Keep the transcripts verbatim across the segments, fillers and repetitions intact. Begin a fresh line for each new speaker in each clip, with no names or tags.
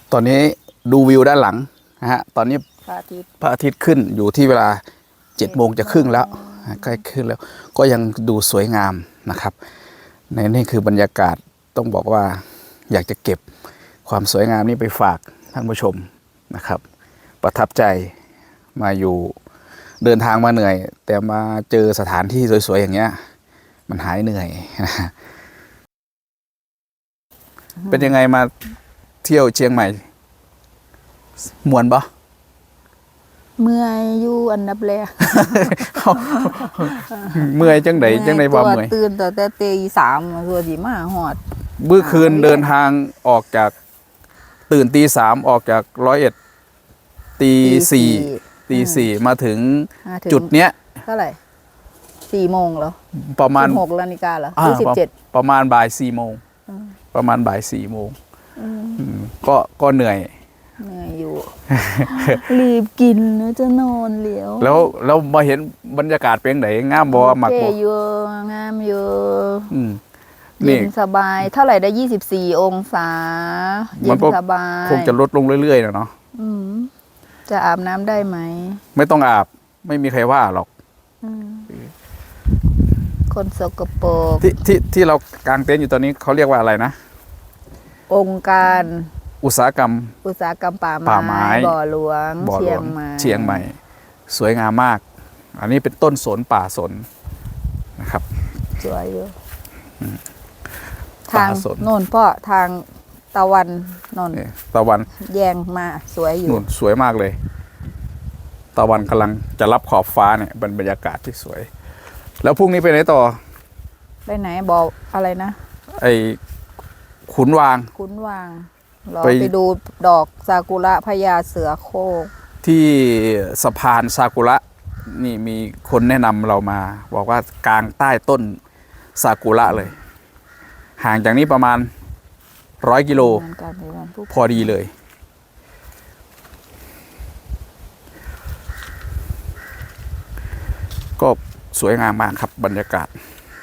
ตอนนี้ดูวิวด้านหลังนะฮะตอนนี้
พระอาทิตย์
พระอาทิตย์ขึ้นอยู่ที่เวลาเจ็ดโมงจะครึ่งแล้วใกล้ขึ้นแล้วก็ยังดูสวยงามนะครับในนี่คือบรรยากาศต้องบอกว่าอยากจะเก็บความสวยงามนี้ไปฝากท่านผู้ชมนะครับประทับใจมาอยู่เดินทางมาเหนื่อยแต่มาเจอสถานที่สวยๆอย่างเงี้ยมันหายเหนื่อยนะเป็นยังไงมาเที่ยวเชียงใหม่มวนปะ
เมื่อยอยู่อันดับแรก
เมื่อยจังไดจังไดว่าเมื่อย
ตื่นแต่แต่ตีสามตัวดีมาหอด
เมื่อคืนเดินทางออกจากตื่นตีสามออกจากร้อยเอ็ดตีสี่ตีสี่มาถึงจุดเนี้ย
เท่าไหร่สี่โมงเหรอ
ประมาณ
หกนาฬิกาเหรอยี่สิบเจ็ด
ประมาณบ่ายสี่โมงประมาณบ่ายสี่โมงก็ก็เหนื่อย
เหนื่อยอยู่ รีบกินแล้วจะนอนเลี้ยว
แล้วแล้วมาเห็นบรรยากาศเป็นไหนงามบ่หมักบ่
เยอะงามเยอะ
เย็
นสบายเท่าไหร่ได้ยี่สิบสี่องศาเย็นสบาย
คงจะลดลงเรื่อยๆนะเนาะ
จะอาบน้ำได้ไหม
ไม่ต้องอาบไม่มีใครว่าหรอก
คนสกปรก
ที่ที่ที่เรากางเต็นท์อยู่ตอนนี้เขาเรียกว่าอะไรนะ
องค์การ
อุตสาหกรรม
อุตสาหกรรมป่าไม้บ่อหลวงเชียงใหม่
เชียงใหม่สวยงามมากอันนี้เป็นต้นสนป่าสนนะครับ
สวยอยู่ทางโน่นพ่อทางตะวันนน
ตะวัน
แยงมาสวยอยู่
นู่นสวยมากเลยตะวันกำลังจะรับขอบฟ้าเนี่ยเป็นบรรยากาศที่สวยแล้วพรุ่งนี้ไปไหนต่อ
ไปไหนบอกอะไรนะ
ไอ้ขุนวาง
ขุนวางเราไปดูดอกซากุระพญาเสือโคร่ง
ที่สะพานซากุระนี่มีคนแนะนำเรามาบอกว่ากลางใต้ต้นซากุระเลยห่างจากนี้ประมาณร้อยกิโลพอดีเลยก็สวยงามมากครับบรรยากาศ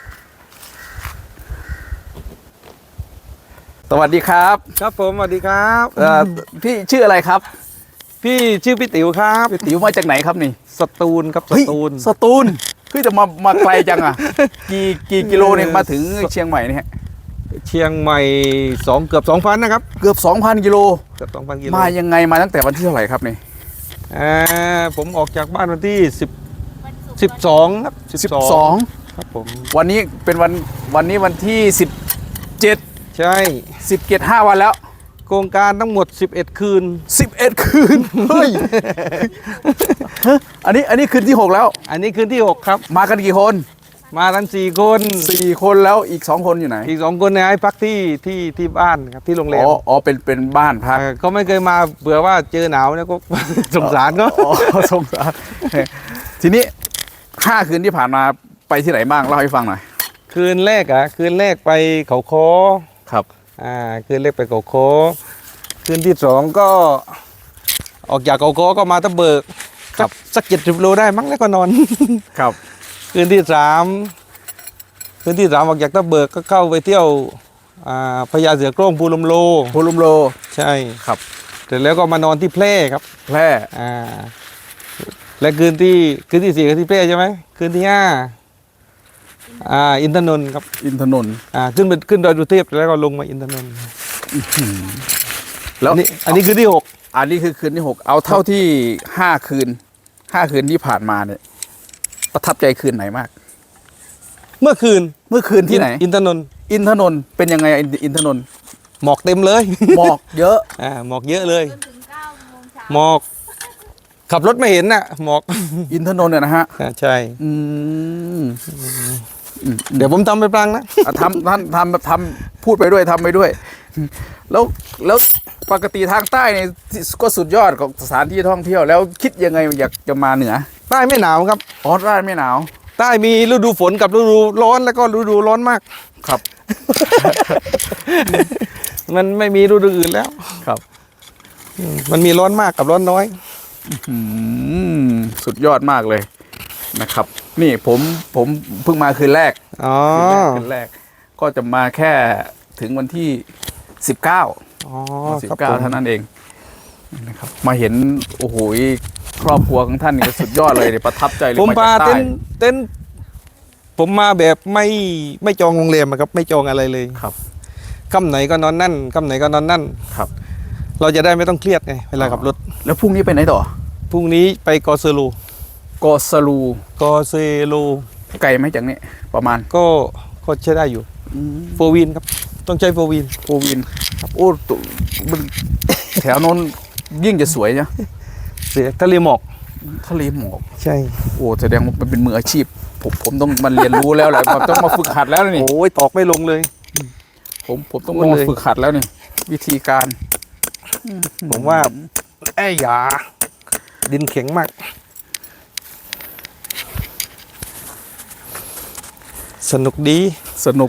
สวัสดีครับ
ครับผมสวัสดีครับ
พี่ชื่ออะไรครับ
พี่ชื่อพี่ติ๋วครับ
พี่ติ๋วมาจากไหนครับนี่
สตูลครับสตูล
สตูลคือจะมามาไกลจังอ่ะกี่กี่กิโลเนี่ยมาถึงเชียงใหม่เนี่ย
เชียงใหม่สองเกือบสองพันนะครับ
เกือบสองพันกิโล
เกือบสองพันกิโล
มายังไงมาตั้งแต่วันที่เท่าไหร่ครับนี่
อ่าผมออกจากบ้านวันที่สิบสิบสองครับ
สิบสอง
ครับผม
วันนี้เป็นวันวันนี้วันที่สิบเจ็ด
ใช่
สิบเจ็ดห้าวันแล้ว
โครงการทั้งหมดสิบเอ็ดคืน
สิบเอ็ดคืนเฮ้ยอันนี้อันนี้คืนที่หกแล้ว
อันนี้คืนที่หกครับ
มากันกี่คน
มาทั้งสี่คน
สี่คนแล้วอีกสองคนอยู่ไหน
อีกสองคนเนี่ยให้พักที่ที่ที่บ้านครับที่โรงแรม
อ๋ออ๋อเป็นเป็นบ้านพัก
เขาไม่เคยมาเบื่อว่าเจอหนาวเนี่ยก็สงสารเขา
สงสารทีนี้ห้าคืนที่ผ่านมาไปที่ไหนบ้างเล่าให้ฟังหน่อย
คืนแรกอ่ะคืนแรกไปเขาคอ
ครับ
อ่าคืนแรกไปเขาคอคืนที่สองก็ออกจากเขาคอก็มาตะเบิก
ครับ
สักเจ็ดสิบโลได้มั้งแล้วก็นอน
ครับ
คืนที่สามคืนที่สามออกจากตะเบิกก็เข้าไปเที่ยวอ่าพญาเสือโคร่งภูลมโล
ภูลมโล
ใช่
ครับ
เสร็จแล้วก็มานอนที่แพร่ครับ
แพร่
อ่าและคืนที่คืนที่สี่คืนที่แพร่ใช่ไหมคืนที่ห้าอ่าอินทนนท์ครับ
อินทนนท์
อ่าขึ้นไปขึ้นดอยสุเทพแล้วก็ลงมาอินทนนท์
แล้ว
นี่อันนี้คืนที่หก
อันนี้คือคืนที่หกเอาเท่าที่ห้าคืนห้าคืนที่ผ่านมาเนี่ยประทับใจคืนไหนมาก
เมื่อคืน
เมื่อคืนที่ไหน
อินทนนท์
อินทนนท์เป็นยังไงอินทนนท์
หมอกเต็มเลย
หมอกเยอะ
อ่าหมอกเยอะเลยหมอกขับรถไม่เห็นน่ะหมอก
อินทนนท์เนี่ยนะฮะ
ใช่
อืม
เดี๋ยวผมทำไปปลังนะ
ทำท่านทำทำพูดไปด้วยทำไปด้วยแล้วแล้วปกติทางใต้เนี่ยก็สุดยอดของสถานที่ท่องเที่ยวแล้วคิดยังไงอยากจะมาเหนือ
ใต้ไม่หนาวครับ
อ๋อใต้ไม่หนาว
ใต้มีฤดูฝนกับฤดูร้อนแล้วก็ฤดูร้อนมาก
ครับ
มันไม่มีฤดูอื่นแล้ว
ครับ
มันมีร้อนมากกับร้อนน้อย
สุดยอดมากเลยนะครับนี่ผมผมเพิ่งมาคืนแรก
อ๋อ
คืนแรกก็จะมาแค่ถึงวันที่สิบเก้า
อ๋อ
สิบ
ครับ
เก้า
ผม
เท่านั้นเองนะครับมาเห็นโอ้โหครอบครัวของท่านนี่สุดยอดเลยเนี่ยประทับใจเลย
ผม
มา
พา
จากใต้
เต้นเต้นผมมาแบบไม่ไม่จองโรงแรมอะครับ ไม่จองอะไรเลย
ครับ
ค่ำไหนก็นอนนั่นค่ำไหนก็นอนนั่น
ครับ
เราจะได้ไม่ต้องเครียดไงเวลาขับรถ
แล้วพรุ่งนี้ไปไหนต่อ
พรุ่งนี้ไปกอเซโล
กอสลู
กอเซโล
ไกลไหมจากนี้ประมาณ
ก็ก็ใช้ได้อยู่โฟวินครับ ต้องใช้โฟวิน
โอวินครับโอ้ตุมันแถวโน้นยิ่งจะสวยนะ
เสียทะเลหมอก
ทะเลหมอก
ใช่
โอ้แสดงว่ามันเป็นมืออาชีพ ผมผมต้องมาเรียนรู้แล้วแหละผมต้องมาฝึกหัดแล้วนี่
โอ้ยตอกไม่ลงเลย
ผมผมต้อง
พูด
มา
เลย
ฝึกหัดแล้วนี่วิธีการ
ผมว่าไอ้ยาดินแข็งมาก สนุกดี
สนุก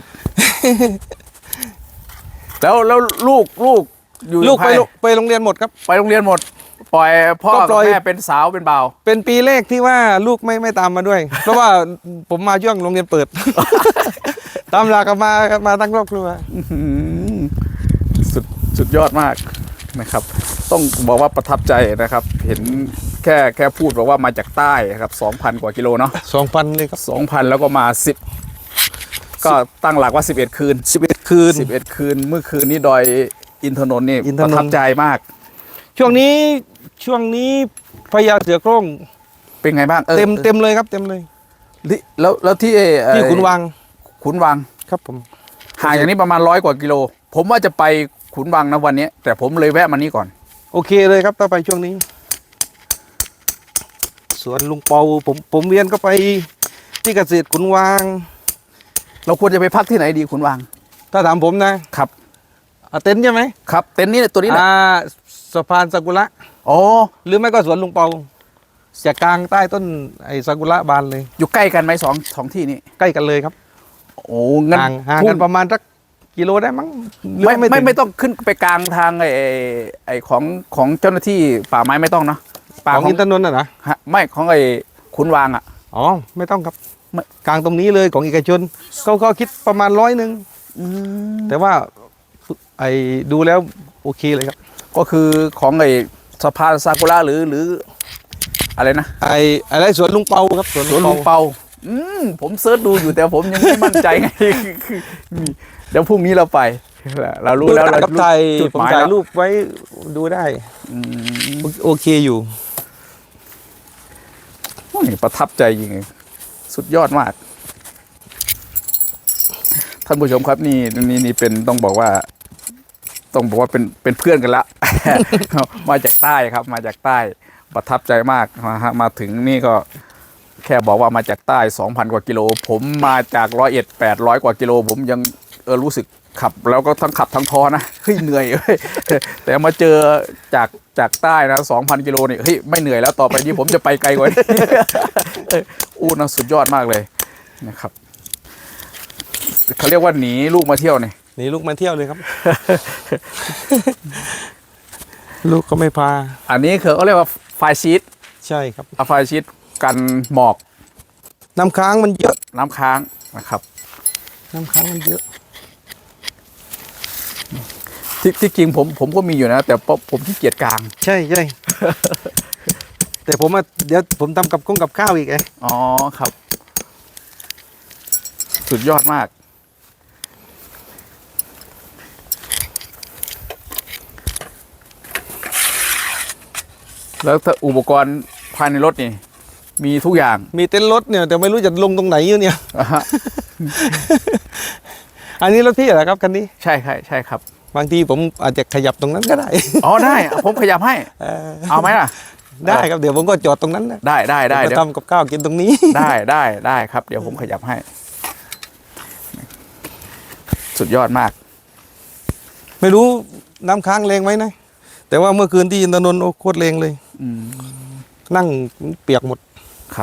แล้วแล้วลูกลูกอยู่
ลูกไป
ภาย
โรงไปโรงเรียนหมดครับ
ไปโรงเรียนหมด ปล่อยพ่อ
ก็ป
กับ
ล่อย
แม่เป็นสาวเป็นบ่าว
เป็นปีแรกที่ว่าลูกไม่ไม่ตามมาด้วย เพราะว่าผมมาช่วงโรงเรียนเปิด ตามหลักกันมามาตั้งครอบครัว
อื้อหือสุดสุดยอดมากนะครับ ต้องบอกว่าประทับใจนะครับ เห็นแค่แค่พูดบอกว่ามาจากใต้ครับสองพันกว่ากิโลเนาะ
สองพันเลยครับ
สองพันแล้วก็มาสิบก็ตั้งหลักว่าสิบเอ็ดคืน
สิบเอ็ดคืน
สิบเอ็ดคืนเมื่อคืนนี้ดอยอินทนนท์นี่
อินท
ป
นนท์
ระทับใจมาก
ช่วงนี้ช่วงนี้พญาเสือโคร่ง
เป็นไงบ้างออ
เต็มเต็มเลยครับ เต็มเลย
ที่แล้วแล้วที่เอ่อ
ที่ขุนวัง
ขุนวัง
ครับผม
ห่างอย่างนี้ประมาณร้อยกว่ากิโล ผมว่าจะไปขุนวังนะวันนี้ แต่ผมเลยแวะมานี่ก่อน
โอเคเลยครับถ้าไปช่วงนี้สวนลุงเปาผมผมเรียนก็ไปที่เกษตรขุนวัง
เราควรจะไปพักที่ไหนดีขุนวัง
ถ้าถามผมนะครับ อ่ะเต็นท์ใช่ไหม
ครับเต็นท์นี่แหละตัวนี้แหละ
อ่าสะพานซากุระ
อ๋อ
หรือไม่ก็สวนลุงเปาจะกลางใต้ต้นไอ้ซากุระบานเลย
อยู่ใกล้กันไหมสองสองที่นี้
ใกล้กันเลยครับ
โอ้งั้น
ห่างห่าง
พรุ่
กันประมาณสักกิโลได้มั้งหรือ
ไม่
ว่า
ไม่
ถึง
ไม่ต้องขึ้นไปกลางทางไอ้ไอ้ไอ้ของของเจ้าหน้าที่ป่าไม้ไม่ต้องเนาะป่า
ของ
ของ
อินทนนท์น่ะนะ
ฮะไม่ของไอ้ขุนวางอ่ะ
อ๋อไม่ต้องครับ
ไม่
กลางตรงนี้เลยของเอกชนเขาเขาคิดประมาณร้อยหนึ่งแต่ว่าไอ้ดูแล้วโอเคเลยครับ
ก็คือของไอ้สะพานซากุระหรือหรืออะไรนะ
ไอ้อะไรสวนลุงเปาครับสวน
สวนลุงเปาอืมผมเซิร์ชดูอยู่แต่ผมยังไม่มั่นใจไง เดี๋ยวพรุ่งนี้เราไป เรารู้แล้วเรา
กับ
รู้
ถ่าย
จุด
ผม
หมาย
ถ่าย
แล้ว
รูปไว้ดูได้
อืม
โอเคอยู่
โอ้ยประทับใจจริงๆสุดยอดมาก ท่านผู้ชมครับนี่นี่นี่เป็นต้องบอกว่า ต้องบอกว่าเป็นเป็นเพื่อนกันละ มาจากใต้ครับ มาจากใต้ประทับใจมากนะฮะมาถึงนี่ก็ แค่บอกว่ามาจากใต้ สองพัน กว่ากิโล ผมมาจากร้อยเอ็ดแปดร้อยกว่ากิโล ผมยังเออรู้สึกขับ แล้วก็ทั้งขับทั้งท้อนะเฮ้ยเหนื่อยเว้ย แต่มาเจอจากจากใต้นะ สองพัน กิโลนี่เฮ้ยไม่เหนื่อยแล้วต่อไปนี้ผมจะไปไกลกว่านี้ อู้นะสุดยอดมากเลยนะครับเขาเรียกว่าหนีลูกมาเที่ยวนี่
นี่ลูกมาเที่ยวเลยครับ ลูกก็ไม่พา
อันนี้คือเขาเรียกว่าไฟชีต
ใช่ครับ
ไฟชีตกันหมอก
น้ำค้างมันเยอะ
น้ำค้างนะครับ
น้ำค้างมันเยอะ
ที่ที่จริงผมผมก็มีอยู่นะ แต่ผมขี้เกียจกลาง
ใช่ใช่ แต่ผมอะเดี๋ยวผมทำกับกุ้งกับข้าวอีกไง
อ๋อครับ สุดยอดมาก แล้วถ้าอุปกรณ์ภายในรถนี่ มีทุกอย่าง
มีเต็นท์รถเนี่ยแต่ไม่รู้จะลงตรงไหนอยู่เนี่ย
อ่าฮะ
อันนี้รถพี่เหรอครับคันนี้
ใช่ใช่ใช่ครับ
บางทีผมอาจจะขยับตรงนั้นก็ได้
อ๋อได้ ผมขยับให้
เออ
เอาไหมล่ะ
ได้ครับเดี๋ยวผมก็จอดตรงนั้นนะ
ได้ได้ได้
เดี๋
เดี๋
ย
ยว ว
ทำกับข้าวกินตรงนี้
ได้ได้ได้ครับ เดี๋ยวผมขยับให้ สุดยอดมาก
ไม่รู้น้ำค้างแรงไหมนะ แต่ว่าเมื่อคืนที่อินทนนท์โอ้โคตรแรงเลย
อืม
นั่งเปียกหมด
ครับ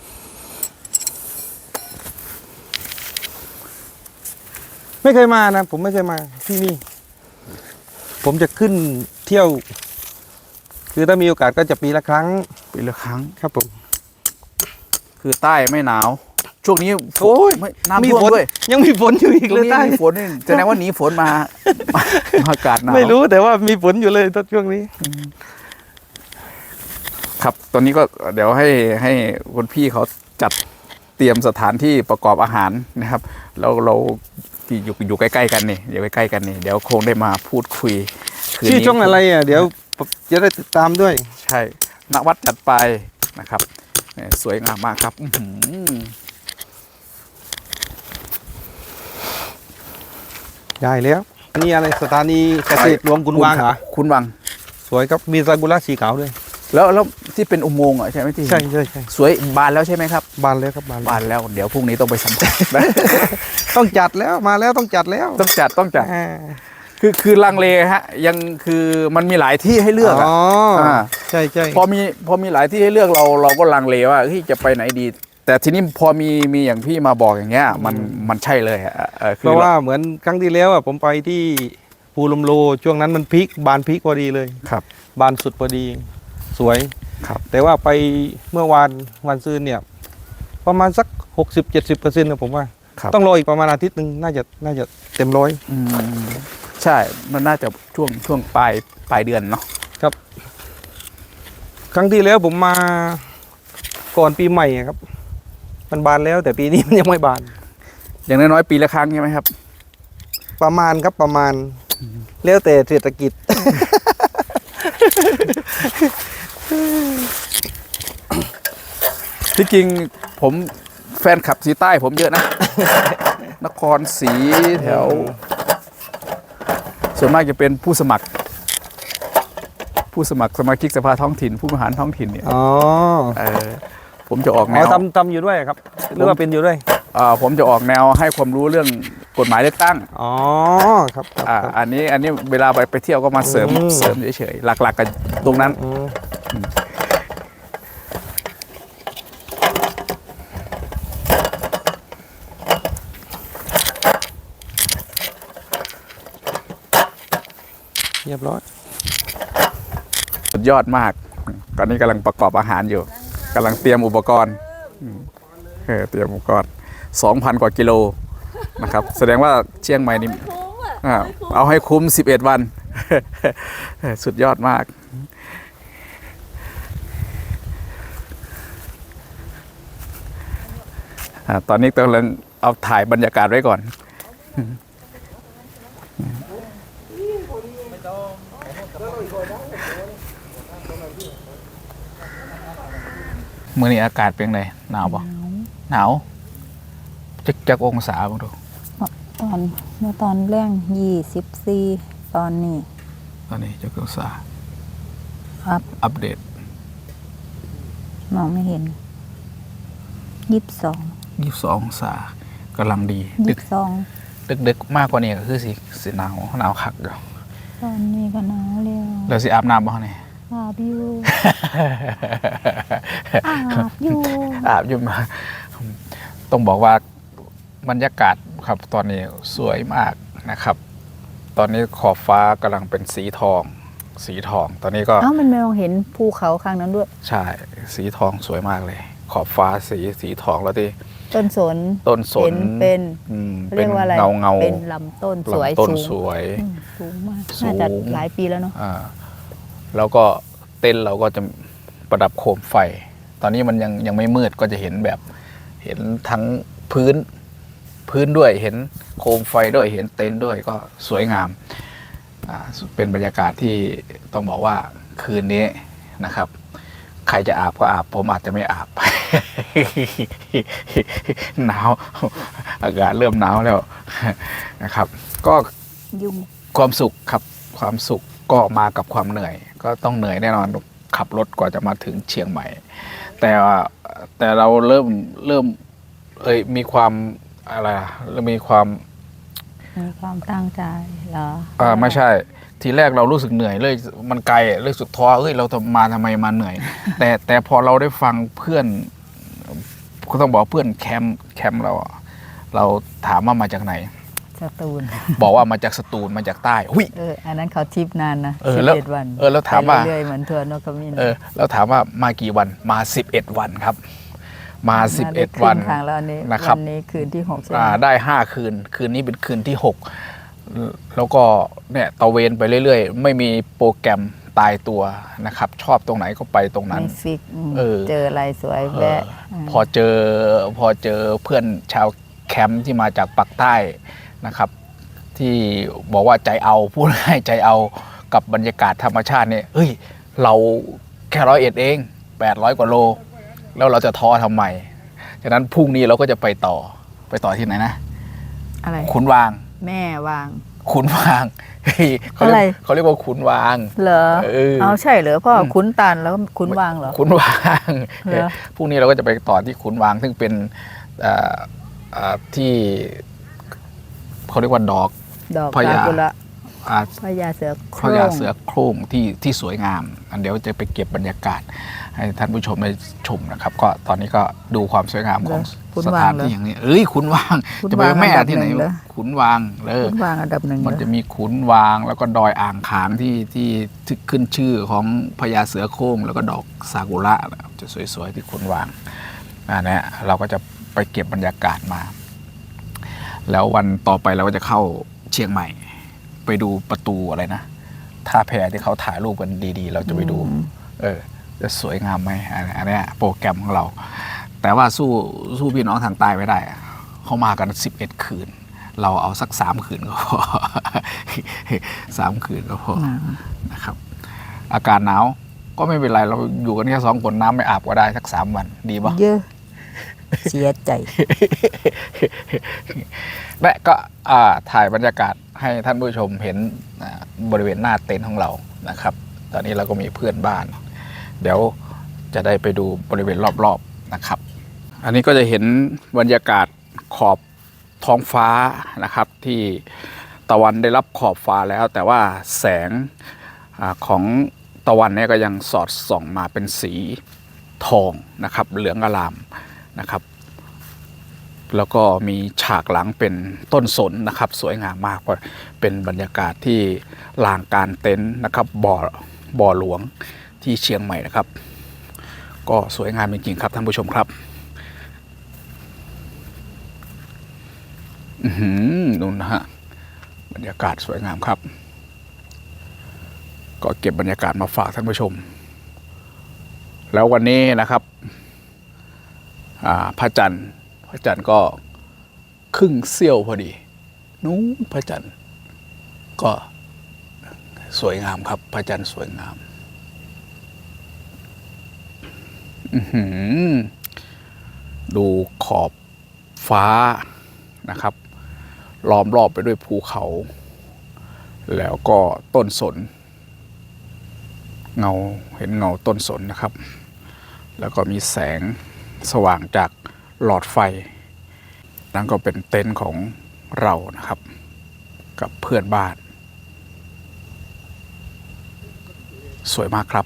ไม่เคยมานะ ผมไม่เคยมาที่นี่ ผมจะขึ้นเที่ยว คือถ้ามีโอกาสก็จะปีละครั้ง
ปีละครั้ง
ครับผม
คือใต้ไม่หนาวช่วงนี้
โอ้ย
ไม่
มี
น้ำท่วม
ฝน
ด้วย
ยังมีฝนอยู่อีก
ตร
เล
ง
ย
นี้
ใต้
มีฝนนี่แสดงว่าหนีฝนมามามาอากาศหนาว
ไม่รู้แต่ว่ามีฝนอยู่เลยตอนช่วงนี้
ครับตอนนี้ก็เดี๋ยวให้ให้คุณพี่เขาจัดเตรียมสถานที่ประกอบอาหารนะครับแล้วเราอยู่อยู่ใกล้ๆกันนี่อยู่ใกล้ๆกันนี่เดี๋ยวคงได้มาพูดคุยคืน
ชื่อ
นี้
ช่องอะไรอ่ะเดี๋ยวจะได้ติดตามด้วย
ใช่ณวัดจัดไปนะครับเนี่ยสวยงามมากครับอื้อหือ
ได้แล้วอันนี้อะไรสถานีเกษตรรวมกุนวางเหรอ
คุณวัง
สวยครับมีซากุระสีขาวด้วย
แล้วแล้วที่เป็นอุโมงค์อ่ะใช่ไหมที่
ใช่ใช่ใช่
สวยบานแล้วใช่ไหมครับ
บานแล้วครับบานแล้ว
บานแล้วเดี๋ยวพรุ่งนี้ต้องไปสัมผัสนะ
ต้องจัดแล้วมาแล้วต้องจัดแล้ว
ต้องจัดต้องจัด
อ่า
คือคือลังเลฮะยังคือมันมีหลายที่ให้เลือกอะ
อ๋ออ่
า
ใช่ใช่
พอมีพอมีหลายที่ให้เลือกเราเราก็ลังเลว่าเฮ้ยจะไปไหนดี แต่ทีนี้พอมีมีอย่างพี่มาบอกอย่างเงี้ยมันมันใช่เลยอะเออคื
เพราะว่าเหมือนครั้งที่แล้วอ่ะผมไปที่ภูลมโลช่วงนั้นมันพีคบานพีคพอดีเลย
ครับ
บานสุดพอดี สวย
ครับ
แต่ว่าไปเมื่อวานวันซืนเนี่ย ประมาณสักหกสิบเจ็ดสิบเปอร์เซ็นต์นะผมว่า
ครับ
ต้องรออีกประมาณอาทิตย์หนึ่งน่าจะน่าจะเต็มร้อย
อืมใช่มันน่าจะช่วงช่วงปลายปลายเดือนเนาะ
ครับ ครั้งที่แล้วผมมาก่อนปีใหม่อะครับ มันบานแล้วแต่ปีนี้ มันยังไม่บาน
อย่างน้อยๆปีละครั้งใช่ไหมครับ
ประมาณครับประมาณ แล้วแต่เศรษฐกิจ
ที่จริงผมแฟนคลับสีใต้ผมเยอะนะ นครศรีแถว ส่วนมากจะเป็นผู้สมัคร ผู้สมัครสมาชิกสภาท้องถิ่น ผู้บริหารท้องถิ่นเนี่ย
อ๋อ
เออผมจะออกแน
อ๋อ
ว
ทำทำอยู่ด้วยครับ หรือว่าเป็นอยู่ด้วย
อ่าผมจะออกแนวให้ความรู้เรื่องกฎหมายเลือกตั้ง
อ๋อครับครับ
อ่า
ครับ
อันนี้อันนี้เวลาไปไปเที่ยวก็มาเสริม
อืม
เสริมเฉยๆหลักๆกันตรงนั้น
อืมเรียบร้อย
สุดยอดมาก ตอนนี้กำลังประกอบอาหารอยู่กำลังเตรียมอุปกรณ์อืมเออเตรียมอุปกรณ์สองพันกว่ากิโลนะครับ แสดงว่าเชียงใหม่นี่อ่าเอาให้คุ้มสิบเอ็ดวัน สุดยอดมาก อ่าตอนนี้กำลังเอาถ่ายบรรยากาศไว้ก่อน มื่อนี้อากาศเป็นไงหนาวปะหนาวจักจักองศาบ้างดู
ตอนเมื่อตอนแรงยี่สิบสี่ตอนนี้
ตอนนี้จักองศา
อัพ
อัปเดต
มองไม่เห็นยี่สิบสอง
ยี่สิบสององศากำลังดี ดึ
ยี่
ก
สิบสอง
ดึกดึกมากกว่านี้ก็คือสิสิหนาวหนาวคักอยู่
ตอนนี้ก็หนาวแล้ว
แล้วสิอาบน้ำบ้างเนี่ย
อาบอยู่ อาบอยู่
อาบอยู่มา ต้องบอกว่าบรรยากาศครับตอนนี้สวยมากนะครับ ตอนนี้ขอบฟ้ากำลังเป็นสีทอง สีทอง ตอนนี้ก็
เอ้ามันไม่มองเห็นภูเขาข้างนั้นด้วย
ใช่สีทองสวยมากเลย ขอบฟ้าสีสีทองแล้วที่
ต้นสน
ต้นส
เห็
น
นเป็น
อืม
เรียกว่าอะไร
เงาเงา
เป็นลำต้นสวย
ลำต้น
สูง
สวย
อืมสูงมาก
สูง
น่าจะหลายปีแล้วเนาะ
อ่าแล้วก็เต้นท์เราก็จะประดับโคมไฟ ตอนนี้มันยังยังไม่มืดก็จะเห็นแบบ เห็นทั้งพื้นพื้นด้วยเห็นโคมไฟด้วยเห็นเต็นท์ด้วยก็สวยงามอ่าเป็นบรรยากาศที่ต้องบอกว่าคืนนี้นะครับ ใครจะอาบก็อาบผมอาจจะไม่อาบ หนาวอากาศเริ่มหนาวแล้วนะครับ ก็
ยุ่ง
ความสุขครับความสุขก็มากับความเหนื่อย ก็ต้องเหนื่อยแน่นอนขับรถกว่าจะมาถึงเชียงใหม่ แต่ว่าแต่เราเริ่มเริ่มเอ้ยมีความอะไรอะเริ่มมีความ
มีความตั้งใจเหรอ
อ่าไม่ใช่ ทีแรกเรารู้สึกเหนื่อยเลยมันไกลเลยสุดท้อเอ้ยเราทำมาทำไมมาเหนื่อย แต่แต่พอเราได้ฟังเพื่อนก็ต้องบอกเพื่อนแคมป์แคมป์เราอะเราถามว่ามาจากไหน
สตูล
บอกว่ามาจากสตูลมาจากใต้หุย
เอออันนั้นเขาทริปนานนะ
เออ
สิบ
แล้ว
เอ็ดวัน
เออแล้วถามว่า
ไปเรื่อยๆเหมือนทัวร์นกขมิ้น
เออแล้วถามว่ามากี่วันมาสิบเอ็ดวันครับมาสิบเอ็ด
ได้
วัน
ครึ่งทางแล้วอันนี้
นะครับ
วันนี้คืนที่หกใช่ไหม
อ่าได้ห้าคืน คืนนี้เป็นคืนที่หกแล้วก็เนี่ยตะเวนไปเรื่อยๆ ไม่มีโปรแกรมตายตัวนะครับ ชอบตรงไหนก็ไปตรงนั้น
ไม่ฟิกอืม
เออ
เจออะไรสวย
เออ
แวะ
พอเจอพอเจอเพื่อนชาวแคมป์ที่มาจากปากใต้นะครับ ที่บอกว่าใจเอาพูดง่ายใจเอากับบรรยากาศธรรมชาติเนี่ยเฮ้ย เราแค่ร้อยเอ็ดเองแปดร้อยกว่าโล แล้วเราจะท้อทำไมฉะนั้นพรุ่งนี้เราก็จะไปต่อไปต่อที่ไหนนะ
อะไร
ขุนวาง
แม่วาง
ขุนวางเฮ้ยเขาเรีย
อะไร
กเขาเรียกว่าขุนวาง
เหรอ
เออ
เอาใช่เหรอพ่อขุนตาลแล้วขุนวางเหรอ
ขุนวาง
เหรอ
พรุ่งนี้เราก็จะไปต่อที่ขุนวาง ซึ่งเป็นเอ่อเอ่อที่เขาเรียกว่าดอก
ดอก
พญา
ซากุระ
อ่า
พญาเสือโค
พ
ร่
ญาง เสือโคร่งที่ที่สวยงาม อันเดี๋ยวจะไปเก็บบรรยากาศ ให้ท่านผู้ชมได้ชมนะครับ ก็ตอนนี้ก็ดูความสวยงามของ
ขุน
ส
วา
ถาง น
เหรอ
ที่อย่างนี้ เอ้ยขุนวาง
ขุน
จะไป
วาง
แม่
อันดับ
ที่ไหน
หนึ่งเหรอ
ขุนวางเลย
ขุนวางอันดับหนึ่ง
มัน
เหรอ
จะมีขุนวางแล้วก็ดอยอ่างขางที่ที่ที่ขึ้นชื่อของพญาเสือโคร่งแล้วก็ดอกซากุระนะครับจะสวยๆที่ขุนวางอันเนี้ยเราก็จะไปเก็บบรรยากาศมา แล้ววันต่อไปเราก็จะเข้าเชียงใหม่ ไปดูประตูอะไรนะท่าแพที่เขาถ่ายรูปกันดีๆ เราจะไปดู เออ จะสวยงามไหมอันอันเนี้ยโปรแกรมของเรา แต่ว่าสู้สู้พี่น้องทางใต้ไม่ได้อะเขามากันสิบเอ็ดคืน เราเอาสักสามคืนก็พอ สามคืนก็พอนะครับ อากาศหนาวก็ไม่เป็นไร เราอยู่กันแค่สองคนน้ำไม่อาบก็ได้สักสามวันดีปะ
เยอะ เสียใจ
และก็อ่าถ่ายบรรยากาศให้ท่านผู้ชมเห็นอ่าบริเวณหน้าเต็นท์ของเรานะครับ ตอนนี้เราก็มีเพื่อนบ้าน เดี๋ยวจะได้ไปดูบริเวณรอบๆนะครับ อันนี้ก็จะเห็นบรรยากาศขอบท้องฟ้านะครับ ที่ตะวันได้รับขอบฟ้าแล้ว แต่ว่าแสงอาของตะวันเนี่ยก็ยังสอดส่องมาเป็นสีทองนะครับ เหลืองอลามนะครับ แล้วก็มีฉากหลังเป็นต้นสนนะครับ สวยงามมากเพราะเป็นบรรยากาศที่ลานกลารเต็นท์นะครับบ่อบ่อหลวงที่เชียงใหม่นะครับ ก็สวยงามจริงๆครับท่านผู้ชมครับอือหือนู่นนะฮะบรรยากาศสวยงามครับ ก็เก็บบรรยากาศมาฝากท่านผู้ชม แล้ววันนี้นะครับอ่าพระจันทร์พระจันทร์ก็ครึ่งเสี้ยวพอดีนู้นพระจันทร์ก็สวยงามครับ พระจันทร์สวยงาม อื้อหือดูขอบฟ้านะครับ ล้อมรอบไปด้วยภูเขา แล้วก็ต้นสน เงาเห็นเงาต้นสนนะครับ แล้วก็มีแสงสว่างจากหลอดไฟ นั่นก็เป็นเต็นท์ของเรานะครับ กับเพื่อนบ้าน สวยมากครับ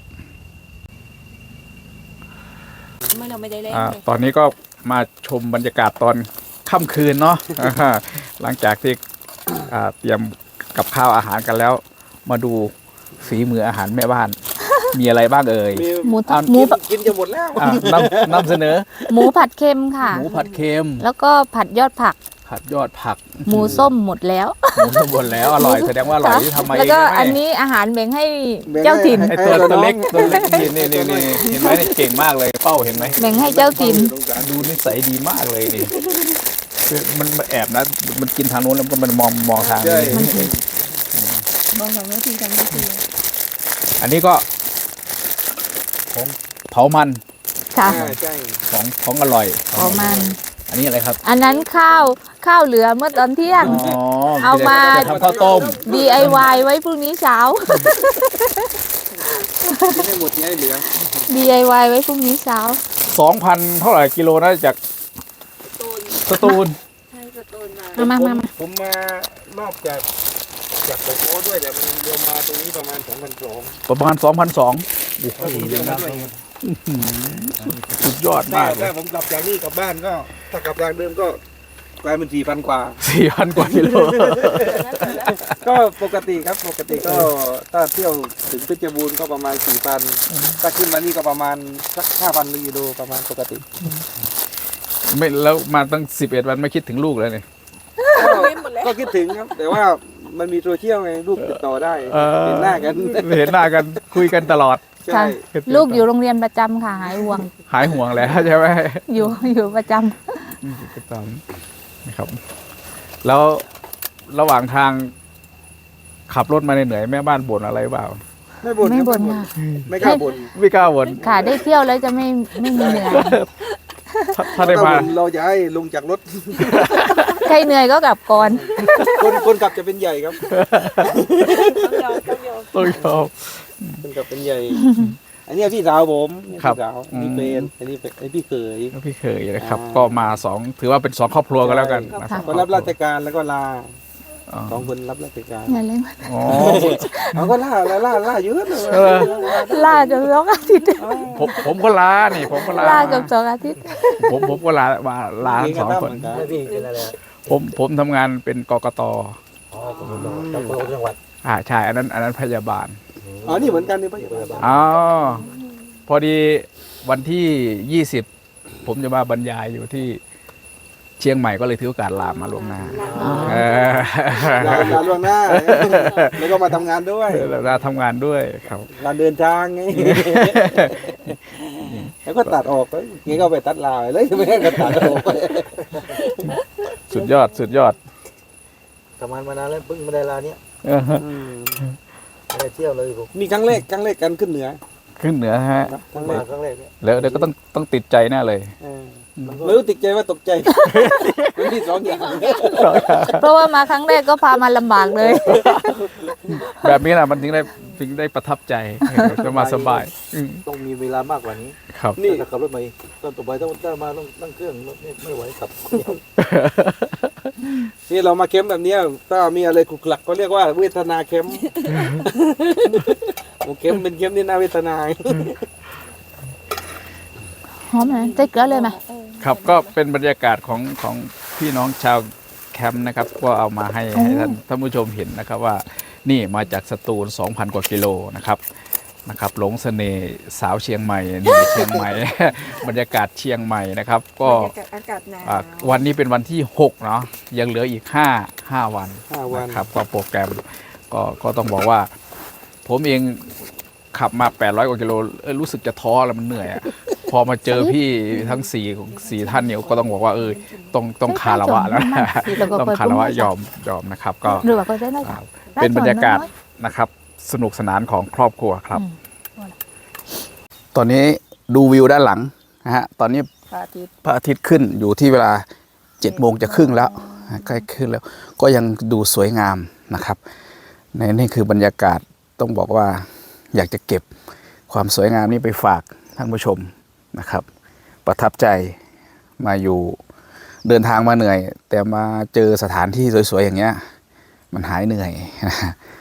เมื่อเราไม่ได้เล่น
อา
เลย
ตอนนี้ก็มาชมบรรยากาศตอนค่ำคืนเนาะ อ่าหลังจากที่อ่าเตรียมกับข้าวอาหารกันแล้ว มาดูฝีมืออาหารแม่บ้าน มีอะไรบ้างเอ่ย
หมู
อ่ะ
หมู
กินจะหมดแล้ว
อ่านำนำเสนอ
หมูผัดเค็มค่ะ
หมูผัดเค็ม
แล้วก็ผัดยอดผัก
ผัดยอดผัก
หมูส้มหมดแล้ว
หมูสมบูรณ์แล้วอร่อยแสดงว่าอร่อยที่ทำมาเอง
แล้วก็
ใช่ไหม
อันนี้อาหารแบ่งให้เจ้าถิ่น
ไอตัวตัวเล็กตัวเล็กนี่นี่นี่นี่เห็นไหมนี่เก่งมากเลยเป้าเห็นไหม
แบ่งให้เจ้าถิ่น
ดูนิสัยดีมากเลยนี่คือมันมันแอบนะ มันกินทางโน้นแล้วก็มันมองมองทางนี้
มองกับแม่ทีกันแม่ที
อันนี้ก็ของเผามัน
ค่ะ
ของของอร่อย
ประมาณ
อันนี้อะไรครับ
อันนั้นข้าวข้าวเหลือเมื่อตอนเที่ยง
อ๋อ
เอามา
ทำข้าวต้ม
ดี ไอ วาย ไว้พรุ่งนี้เช้า
ไม่ได้หมดเนี้ยเหลือ
ดี ไอ วาย ไว้พรุ่งนี้เช้า
สองพันเท่าไหร่กิโลนะจากสตูล
มามามามา
ผมมานอกจากจากโกโก้ด้วยแต่มันเดียวมาตรงนี้ประมาณสองพันสอง
ประมาณสองพันสอง
ผมเดียวมาด้วย
สุดยอด
ถ้าม
ากเล
ถ้าย ผมกลับจากนี่กลับบ้านก็ ถ้ากลับทางเดิมก็กลายเป็นสี่พันกว่า
สี่พันกว่ากิโล
ก็ปกติครับปกติก็ถ้าเที่ยวถึงเพชรบูรณ์ก็ประมาณสี่พันถ้าขึ้นมานี่ก็ประมาณสักห้าพันกิโลประมาณปกติ
ไม่แล้วมาตั้งสิบเอ็ดวันไม่คิดถึงลูกเลยเนี่ย
ก็คิดถึงครับ แต่ว่ามันมีโซเชียลไงลูกติดต่อได้
เออ
เห็นหน้ากัน
เห็นหน้ากันคุยกันตลอด
ใช่
ค่ะ ลูกอยู่โรงเรียนประจำค่ะ หายห่วง
หายห่วงแล้วใช่ไหม
อยู่อยู่ประจ
ประจำนะครับ แล้วระหว่างทางขับรถมาเหนื่อยๆแม่บ้านบ่นอะไรเปล่า
ไม่บ่น
ำไม่
ครับ
บ่นค่ะ
ไม่กล้าบ่น
ไม่กล้าบ่น
ค่ะได้เที่ยวแล้วจะไม่ไม่มีเหนื่อย
ถ้าถ้าได้
ถ้า
มา
บ่นเราจะให้ลงจากรถ
ใครเหนื่อยก็กลับก่อน
คนคนขับจะเป็นใหญ่ครับ
ต้องยอม
คนขับเป็นใหญ่ อันนี้พี่สาวผมนี่
ครับ
พี่สาวอันนี้เป็นอันนี้เป็นอันนี้พี่เขย
พี่เคยนะครับ
อ่า
ก็มาสองถือว่าเป็นสองครอบครัวกันแล้วกันนะ
ค่ะ
คนรับราชการแล้วก็ลา
อ๋อ
สองคนรับราชการ
อย่าเล่น
อ๋อ
เขาก็ล่าล่าล่าล่าเยอะเลย
เออ
ล่าเกับสองอาทิตย์
ผมผมก็ลานี่ผมก็ลา
ล่าเกับสองอาทิตย์
ผมผมก็ลามาลาทั้งสองคน
แล้วพี่เป็นอะไร
ผมผมทำงานเป็นกกต
อ๋อผมจังหวัดจังหวัด
อ่าใช่อันนั้นอันนั้นพยาบาล
อ๋อนี่เหมือนกันนี่พยาบาล
อ๋อพอดีวันที่ยี่สิบผมจะมาบรรยายอยู่ที่เชียงใหม่ก็เลยถือโอกาสลามาล่วงหน้าเออ
ลาลาล่วงหน้าแล้วก็มาทำงานด้วย
ลาทำงานด้วยครับ
ลาเดินทางไงแล้วก็ตัดออกเลยงี้ก็ไปตัดลาไปเลยไม่ให้กันตัดออกไป
สุดยอดสุดยอด
ทำงานมานานแล้วเพิ่งมาได้ลาเนี้ย
เออ
ไม่ได้เที่ยวเลยผม
มีครั้งแรกครั้งแรกกันขึ้นเหนือ
ขึ้นเหนือฮะ
ครั้งแร
มาก ครั้งแรกเนี่ย
แล้วเดี๋ยวก็ต้องต้องติดใจแน่เลย
เออไม่รู้ติดใจว่าตกใจมันมีสองอย่าง
เพราะว่ามาครั้งแรกก็พามาลำบากเลย
แบบนี้แหละมันถึงได้ถึงได้ประทับใจเออจะมาสบายอืม
ต้องมีเวลามากกว่านี้
ครับ
นี่
ถ้าขับรถมาตอนต่อไปต้องได้มาต้องนั่งเครื่องไม่ไม่ไหวขับ
นี่เรามาเค้มแบบเนี้ยถ้ามีอะไรขลุกขลักก็เรียกว่าเวทนาเค้มโอ้เค้มเป็นเค้มที่น่าเวทนา
หอมนะใส่เกลือเลยไหม
ครับก็เป็นบรรยากาศของของพี่น้องชาวแคมป์นะครับ ก็เอามาให้ให้ท่านท่านผู้ชมเห็นนะครับว่านี่มาจากสตูล สองพัน กว่ากิโลนะครับนะครับหลงเสน่ห์สาวเชียงใหม่นี่เชียงใหม่ บรรยากาศเชียงใหม่นะครับ ก็
อากาศหนาว
อ่าวันนี้เป็นวันที่หกเนาะยังเหลืออีกห้า ห้าวัน
ห้าวัน
นะครับก็โปรแกรมก็ก็ต้องบอกว่า ผมเองขับมาแปดร้อยกว่ากิโลเออรู้สึกจะท้อแล้วมันเหนื่อยอะ พอมาเจอพี่ทั้งสี่สี่ท่านเนี่ยก็ต้องบอกว่าเออต้องต้องคารวะแล้วนะต้องคารวะยอมยอมนะครับ ก็
หรือว่าก็ได้ได้
อ่าเป็นบรรยากาศนะครับ สนุกสนานของครอบครัวครับ ตอนนี้ดูวิวด้านหลังนะฮะตอนนี้
พระอาทิตย์
พระอาทิตย์ขึ้นอยู่ที่เวลาเจ็ดโมงจะครึ่งแล้วใกล้ขึ้นแล้ว ก็ยังดูสวยงามนะครับในนี่คือบรรยากาศต้องบอกว่าอยากจะเก็บความสวยงามนี้ไปฝากท่านผู้ชมนะครับ ประทับใจมาอยู่เดินทางมาเหนื่อย แต่มาเจอสถานที่สวยๆอย่างเงี้ยมันหายเหนื่อย